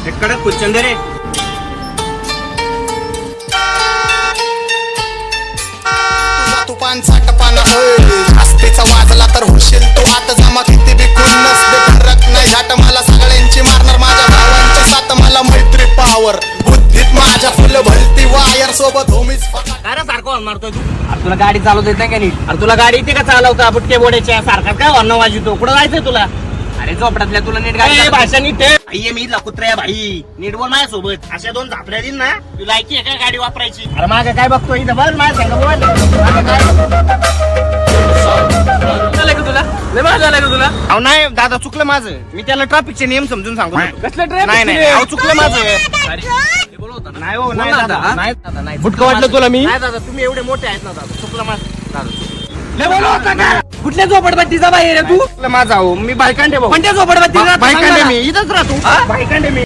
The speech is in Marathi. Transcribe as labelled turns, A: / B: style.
A: कडक कुचंद रे.
B: तुपान साठपान जास्तीचा वाजला तर होशील तू आता जमा किती बिकून नसते फरक नाही झाट मला सगळ्यांची मारणार माझ्या भावांची साथ मला मैत्री पावर बुद्धीत माझ्या फुल भलती वायर सोबत होमीच
A: काय रे सारखं मारतोय तू? अरे तुला गाडी चालवता येत नाही का नीट? अरे तुला गाडी येते का चालवता बुटके बोड्याच्या सारखा काय अन्न वाजवतो? कुठं जायचंय तुला? अरे झोपड्यातल्या तुला नीट गाडी भाषा नीट आहे मी कुत्र्या भाई नीट बोल माझ्या सोबत. अशा दोन झापड्या दिन ना तुला ऐकी का गाडी वापरायची? अरे मागे काय बघतोय इथं बघ माझ्या संग बोल. तुला झालं का तुला? अहो नाही दादा चुकलं माझं. मी त्याला ट्रॅफिकचे नियम समजून सांगू. कसलं ट्रॅफिक? नाही अहो चुकलं माझं. नाही हो नाही दादा नाही दादा नाही. बुटकं वाटलं तुला मी? नाही दादा तुम्ही एवढे मोठे आहेत ना दादा. चुकलं माझं दादा. कुठल्या झोपडपट्टीचा बाहेर आहे तू? माझा हो मी बायकांडे भाऊ. कोणत्या झोपडपट्टी? बायकांडे मी इथंच राहतो. बायकांडे मी